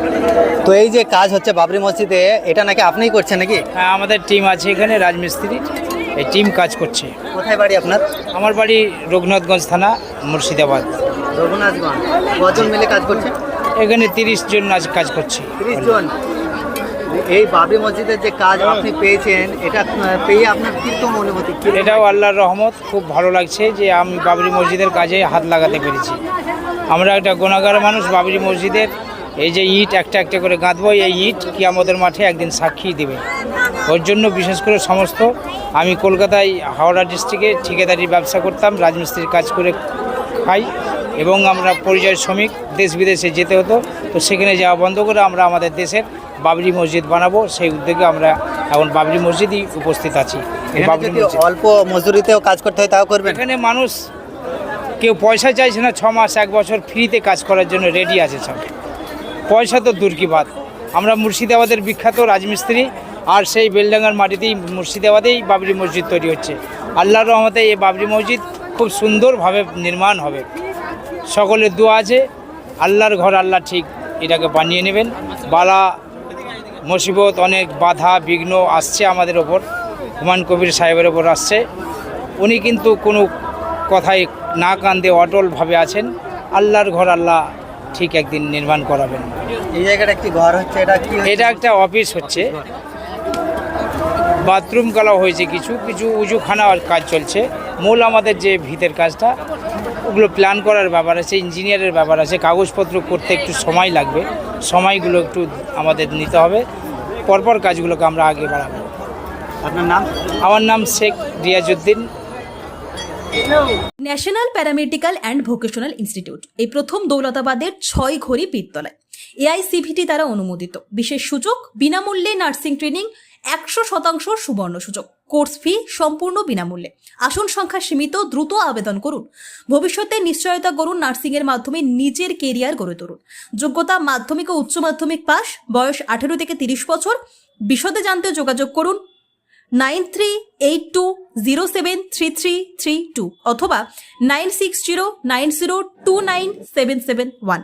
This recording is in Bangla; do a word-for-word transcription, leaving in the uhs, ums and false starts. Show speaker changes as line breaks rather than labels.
তো এই যে কাজ হচ্ছে বাবরি মসজিদে, এটা নাকি আপনিই করছেন নাকি?
হ্যাঁ, আমাদের টিম আছে এখানে রাজমিস্ত্রি, এই টিম কাজ করছে।
কোথায় বাড়ি আপনার?
আমার বাড়ি রঘুনাথগঞ্জ থানা, মুর্শিদাবাদ।
রঘুনাথগঞ্জ। কজন মিলে কাজ করছেন?
এখানে তিরিশ জন আজ কাজ করছে।
তিরিশ জন। এই বাবরি মসজিদের যে কাজ আপনি পেয়েছেন, এটা পেয়ে আপনার কীরকম অনুভূতি?
এটাও আল্লাহর রহমত, খুব ভালো লাগছে যে আমি বাবরি মসজিদের কাজে হাত লাগাতে পেরেছি। আমরা একটা গুনাহগার মানুষ, বাবরি মসজিদের এই যে ইট একটা একটা করে গাঁথবো, এই ইট কিয়ামতের মাঠে একদিন সাক্ষী দেবে। ওর জন্য বিশেষ করে সমস্ত, আমি কলকাতায় হাওড়া ডিস্ট্রিক্টে ঠিকাদারি ব্যবসা করতাম, রাজমিস্ত্রির কাজ করে খাই, এবং আমরা পরিযায়ী শ্রমিক, দেশ বিদেশে যেতে হতো, তো সেখানে যাওয়া বন্ধ করে আমরা আমাদের দেশের বাবরি মসজিদ বানাবো, সেই উদ্যোগে আমরা এখন বাবরি মসজিদই উপস্থিত আছি।
যদি অল্প মজুরিতেও কাজ করতে হয় তাও করবেন?
এখানে মানুষ কেউ পয়সা চাইছে না, ছ মাস এক বছর ফ্রিতে কাজ করার জন্য রেডি আছে সব। পয়সা তো দূর কি বাত, আমরা মুর্শিদাবাদের বিখ্যাত রাজমিস্ত্রি, আর সেই বেলডাঙ্গার মাটিতেই মুর্শিদাবাদেই বাবরি মসজিদ তৈরি হচ্ছে। আল্লাহর রহমতে এই বাবরি মসজিদ খুব সুন্দরভাবে নির্মাণ হবে। সকলের দোয়া আছে, আল্লাহর ঘর, আল্লাহ ঠিক এটাকে বানিয়ে নেবেন। বালা মুসিবত, অনেক বাধা বিঘ্ন আসছে আমাদের ওপর, হুমায়ুন কবির সাহেবের ওপর আসছে। উনি কিন্তু কোনো কথায় না কান্দে অটলভাবে আছেন। আল্লাহর ঘর আল্লাহ ঠিক একদিন নির্মাণ করাবেন।
এই জায়গাটা একটি ঘর হচ্ছে, এটা কি?
এটা একটা অফিস হচ্ছে, বাথরুম করা হয়েছে, কিছু কিছু উজুখানার কাজ চলছে। মূল আমাদের যে ভিতের কাজটা, ওগুলো প্ল্যান করার ব্যাপার আছে, ইঞ্জিনিয়ারের ব্যাপার আছে, কাগজপত্র করতে একটু সময় লাগবে, সময়গুলো একটু আমাদের নিতে হবে। পরপর কাজগুলোকে আমরা আগে বাড়াবো।
আপনার নাম?
আমার নাম Sheikh Riazuddin.
National paramedical and vocational institute এই প্রথম দৌলতাবাদের ছয় ঘড়ি পীরতলায় এআইসিভিটি দ্বারা অনুমোদিত। বিশেষ সুযোগ, বিনামূল্যে নার্সিং ট্রেনিং, একশো শতাংশ সুবর্ণ সুযোগ, কোর্স ফি সম্পূর্ণ বিনামূল্যে। আসন সংখ্যা সীমিত, দ্রুত আবেদন করুন। ভবিষ্যতে নিশ্চয়তা করুন, নার্সিং এর মাধ্যমে নিজের কেরিয়ার গড়ে তুলুন। যোগ্যতা মাধ্যমিক ও উচ্চ মাধ্যমিক পাস, বয়স আঠেরো থেকে তিরিশ বছর। বিশদে জানতে যোগাযোগ করুন nine three eight two zero seven three three three two অথবা nine six zero nine zero two nine seven seven one.